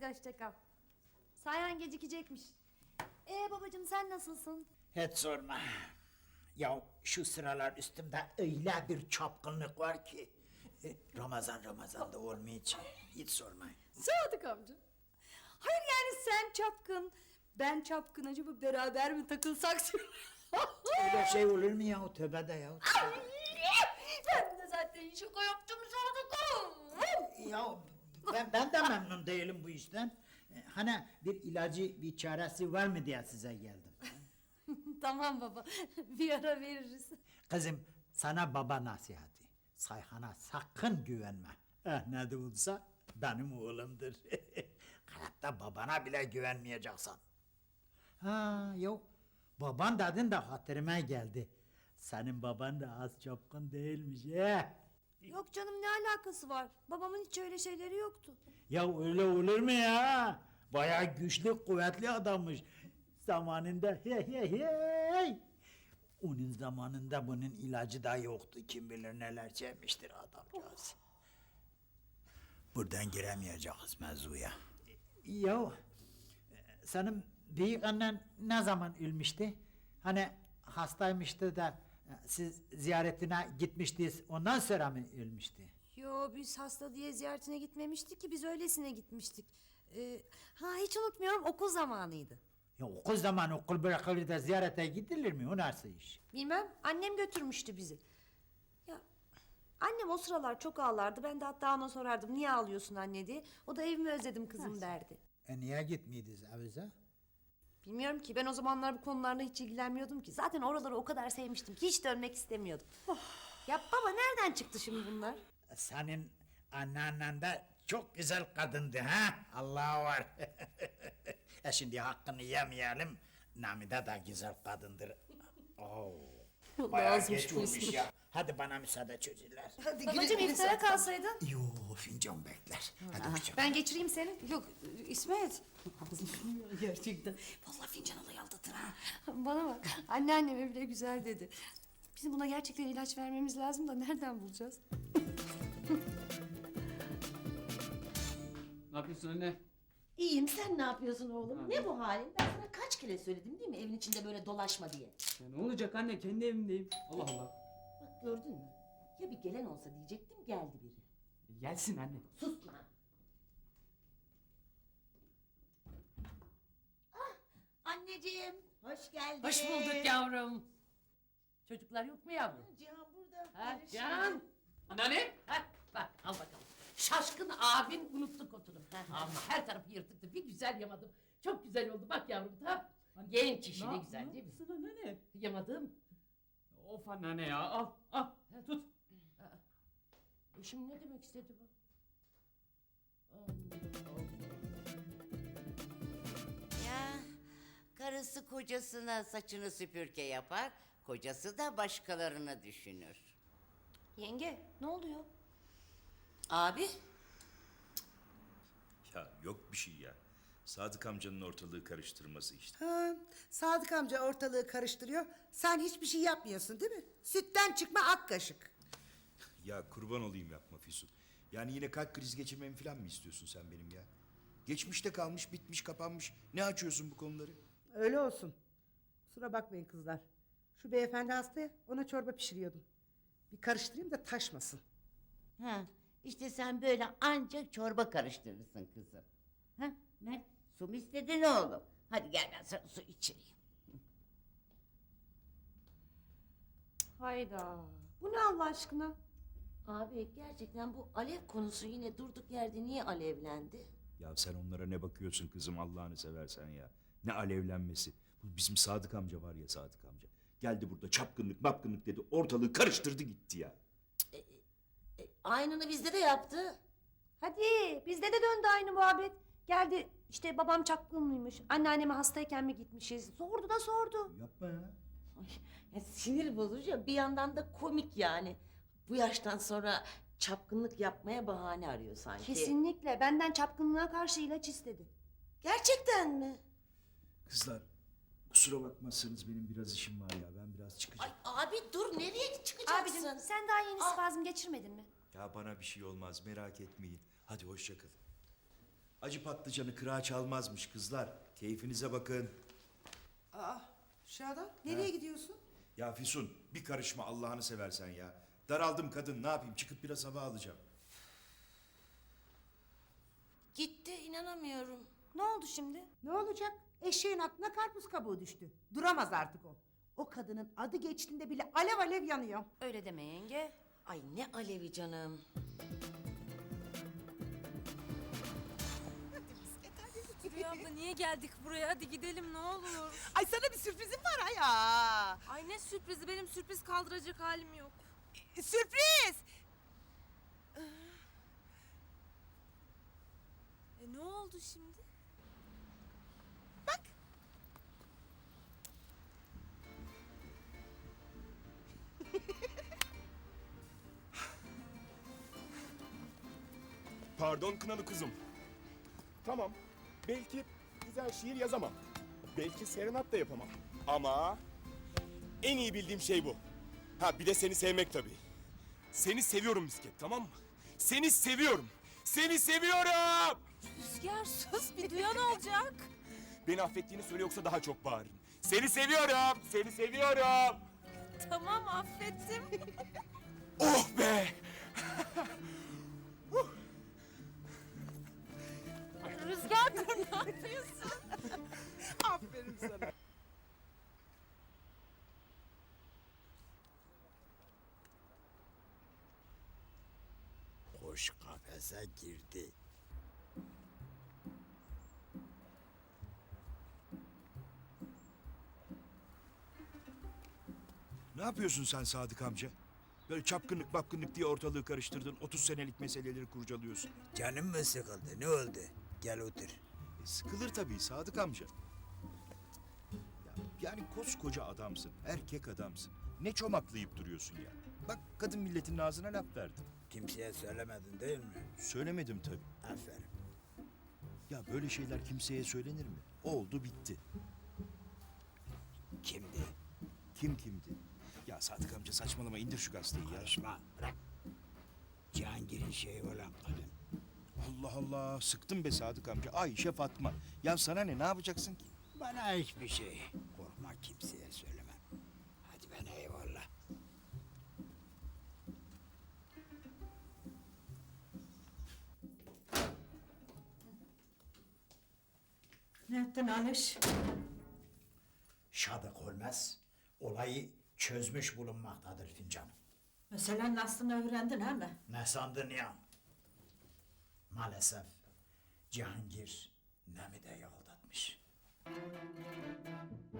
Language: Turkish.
Hadi hoşça kal. Sayhan gecikecekmiş. Babacığım sen nasılsın? Hiç sorma. Ya şu sıralar üstümde öyle bir çapkınlık var ki. Ramazan'da olmayacak. Hiç sormayın. Sadık amca. Hayır yani sen çapkın, ben çapkın, acaba beraber mi takılsak? Öyle şey olur mu ya? Tövbe de ya. Ben de zaten şaka yaptım Sadık'ım. Ya ben de memnun değilim bu işten. Hani bir ilacı, bir çaresi var mı diye size geldim. Tamam baba, bir ara veririz. Kızım sana baba nasihati. Sayhan'a sakın güvenme. Ne de olsa benim oğlumdur. Hayatta babana bile güvenmeyeceksin. Ha yok. Baban dedin de hatırıma geldi. Senin baban da az çapkın değilmiş ya. Yok canım, ne alakası var? Babamın hiç öyle şeyleri yoktu. Ya öyle olur mu ya? Bayağı güçlü, kuvvetli adammış. Zamanında hey. Onun zamanında bunun ilacı da yoktu. Kim bilir neler çekmiştir adamcağız. Buradan giremeyeceğiz mevzuya. Ya senin büyük annen ne zaman ölmüştü? Hani hastaymıştı da siz ziyaretine gitmiştiniz. Ondan sonra mı ölmüştü? Yo, biz hasta diye ziyaretine gitmemiştik ki, biz öylesine gitmiştik. Hiç unutmuyorum, okul zamanıydı. Ya okul zamanı okul bırakılır da ziyarete gidilir mi? O nasıl iş? Bilmem, annem götürmüştü bizi. Ya annem o sıralar çok ağlardı. Ben de hatta ona sorardım, niye ağlıyorsun anne diye. O da evimi özledim kızım derdi. Niye gitmeydiniz avize? Bilmiyorum ki, ben o zamanlar bu konularla hiç ilgilenmiyordum ki. Zaten oraları o kadar sevmiştim ki hiç dönmek istemiyordum. Ya baba, nereden çıktı şimdi bunlar? Senin anneannen de çok güzel kadındı ha? Allah var. Şimdi hakkını yemeyelim. Namide de güzel kadındır. Oo. Bayağı azmış geç bu olmuş ismi. ya. Hadi bana müsaade çocuklar. Hadi Babacığım, iftara kalsaydın. Yo fincan bekler. Hadi hoşça kal. Ben geçireyim seni. Yok İsmet. Gerçekten. Vallahi fincan alayı aldatır ha. Bana bak, anneanneme bile güzel dedi. Bizim buna gerçekten ilaç vermemiz lazım da nereden bulacağız? Ne yapıyorsun anne? İyiyim, sen ne yapıyorsun oğlum? Ne bu halin? Ben sana kaç kere söyledim değil mi evin içinde böyle dolaşma diye. Ya ne olacak anne? Kendi evimdeyim. Allah Allah. Bak gördün mü? Ya bir gelen olsa diyecektim, geldi biri. Gelsin anne. Sus lan. Ah, anneciğim, hoş geldin. Hoş bulduk yavrum. Çocuklar yok mu yavrum? Cihan burada. Ha, Barış Can. burada. Anneanne. Ha, bak al bakalım. Şaşkın abin unuttu kotunu. Ama her tarafı yırtıktı. Bir güzel yamadım. Çok güzel oldu. Bak yavrum tam. Genç işi ne güzel değil mi? Sana anneanne? Yamadım. Of anneanne ya al tut. Şimdi ne demek istedi bu? Allah Allah. Ya karısı kocasına saçını süpürge yapar, kocası da başkalarını düşünür. Yenge, ne oluyor? Abi, Ya yok bir şey ya. Sadık amcanın ortalığı karıştırması işte. Ha, Sadık amca ortalığı karıştırıyor. Sen hiçbir şey yapmıyorsun değil mi? Sütten çıkma ak kaşık. Ya kurban olayım yapma Füsun. Yani yine kalp krizi geçirmemi falan mı istiyorsun sen benim ya? Geçmişte kalmış, bitmiş, kapanmış. Ne açıyorsun bu konuları? Öyle olsun. Kusura bakmayın kızlar. Şu beyefendi hasta ya, ona çorba pişiriyordum. Bir karıştırayım da taşmasın. ha, işte sen böyle ancak çorba karıştırırsın kızım. Ha, Mert, su mu istedin oğlum? Hadi gel ben sana su içireyim. Hayda. Bu ne Allah aşkına? Abi gerçekten bu alev konusu yine durduk yerde niye alevlendi? Ya sen onlara ne bakıyorsun kızım Allah'ını seversen ya. Ne alevlenmesi. Bu bizim Sadık amca var ya Sadık amca. Geldi burada çapkınlık mapkınlık dedi. Ortalığı karıştırdı gitti ya. Aynını bizde de yaptı. Hadi, bizde de döndü aynı muhabbet. Geldi işte, babam çapkın mıymış, anneanneme hastayken mi gitmişiz? Sordu da sordu. Yapma ya. Ay, ya sinir bozucu, bir yandan da komik yani. Bu yaştan sonra çapkınlık yapmaya bahane arıyor sanki. Kesinlikle, benden çapkınlığa karşı ilaç istedi. Gerçekten mi? Kızlar kusura bakmazsanız benim biraz işim var ya. Ben biraz çıkacağım. Ay abi dur, nereye çıkacaksın? Abicim, sen daha yeni spazm geçirmedin mi? Ya bana bir şey olmaz merak etmeyin. Hadi hoşça kalın. Acı patlıcanı kırağa çalmazmış kızlar. Keyfinize bakın. Aa, Şadan nereye gidiyorsun? Ya Füsun bir karışma Allah'ını seversen ya. Daraldım kadın ne yapayım çıkıp biraz hava alacağım. Gitti inanamıyorum. Ne oldu şimdi? Ne olacak? Eşeğin aklına karpuz kabuğu düştü. Duramaz artık o. O kadının adı geçtiğinde bile alev alev yanıyor. Öyle deme yenge. Ay ne alevi canım. Rüya abla niye geldik buraya? Hadi gidelim ne olur. Ay sana bir sürprizim var ay ya. Ay ne sürprizi, benim sürpriz kaldıracak halim yok. Sürpriz. Ne oldu şimdi? Bak. Pardon kınalı kuzum. Tamam, belki güzel şiir yazamam. Belki serenat da yapamam. Ama en iyi bildiğim şey bu. Ha bir de seni sevmek tabii. Seni seviyorum misket, tamam mı? Seni seviyorum. Seni seviyorum. Rüzgar sus, bir duyan olacak. Beni affettiğini söyle yoksa daha çok bağırırım. Seni seviyorum. Seni seviyorum. Tamam affettim. Oh be! Rüzgar dur ne yapıyorsun? Aferin sana. Kuş kafese girdi. Ne yapıyorsun sen Sadık amca? Böyle çapkınlık mapkınlık diye ortalığı karıştırdın. 30 senelik meseleleri kurcalıyorsun. Canım mı sıkıldı? Ne oldu? Gel otur. Sıkılır tabii Sadık amca. Yani koskoca adamsın, erkek adamsın. Ne çomaklayıp duruyorsun ya? Bak kadın milletin ağzına laf verdin. Kimseye söylemedin değil mi? Söylemedim tabii. Aferin. Ya böyle şeyler kimseye söylenir mi? Oldu bitti. Kimdi? Kim kimdi? Ya Sadık amca saçmalama indir şu gazeteyi ya. Karışma. Bırak. Cihangir'in şeyi olan kadın. Allah Allah sıktın be Sadık amca. Ayşe Fatma. Ya sana ne yapacaksın ki? Bana hiçbir şey. Korkma kimseye söylemem. Hadi ben eyvallah. Ne ettin Aliş? Şadık olmaz. Olayı çözmüş bulunmaktadır fincanım. Meselenin aslını öğrendin he mi? Ne sandın ya? Maalesef Cihangir Nemide'yi aldatmış.